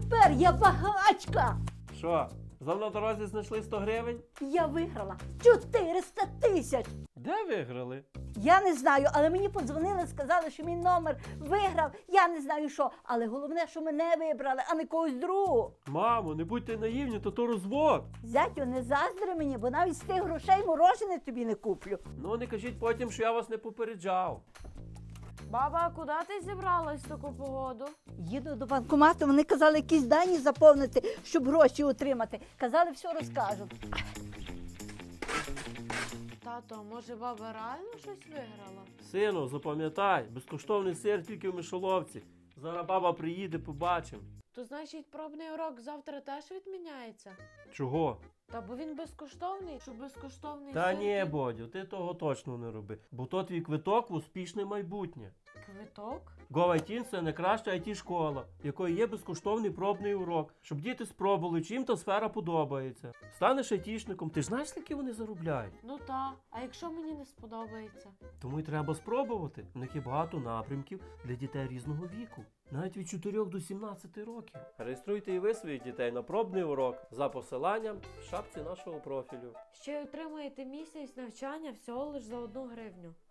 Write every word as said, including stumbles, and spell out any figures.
тепер я багачка. Що, знов на дорозі знайшли сто гривень? Я виграла чотириста тисяч. Де виграли? Я не знаю, але мені подзвонили, сказали, що мій номер виграв. Я не знаю що. Але головне, що мене вибрали, а не когось другого. Мамо, не будьте наївні, то то розвод. Зятю, не заздри мені, бо навіть з тих грошей морожене тобі не куплю. Ну не кажіть потім, що я вас не попереджав. Баба, а куди ти зібралась в таку погоду? Їду до банкомату, вони казали якісь дані заповнити, щоб гроші отримати. Казали, все розкажуть. Тато, може баба реально щось виграла? Сину, запам'ятай, безкоштовний сир тільки в мишоловці. Зараз баба приїде, побачимо. То значить пробний урок завтра теж відміняється? Чого? Та бо він безкоштовний, що безкоштовний Та сир ні, ти- Бодю, ти того точно не роби. Бо то твій квиток в успішне майбутнє. Квиток? GoITin – це найкраща ай ті-школа, в якої є безкоштовний пробний урок, щоб діти спробували, чим та сфера подобається. Станеш айтішником, ти ж знаєш, скільки вони заробляють? Ну та, а якщо мені не сподобається? Тому й треба спробувати. В них є багато напрямків для дітей різного віку. Навіть від чотирьох до сімнадцяти років. Реєструйте і ви своїх дітей на пробний урок за посиланням в шапці нашого профілю. Ще й отримаєте місяць навчання всього лиш за одну гривню.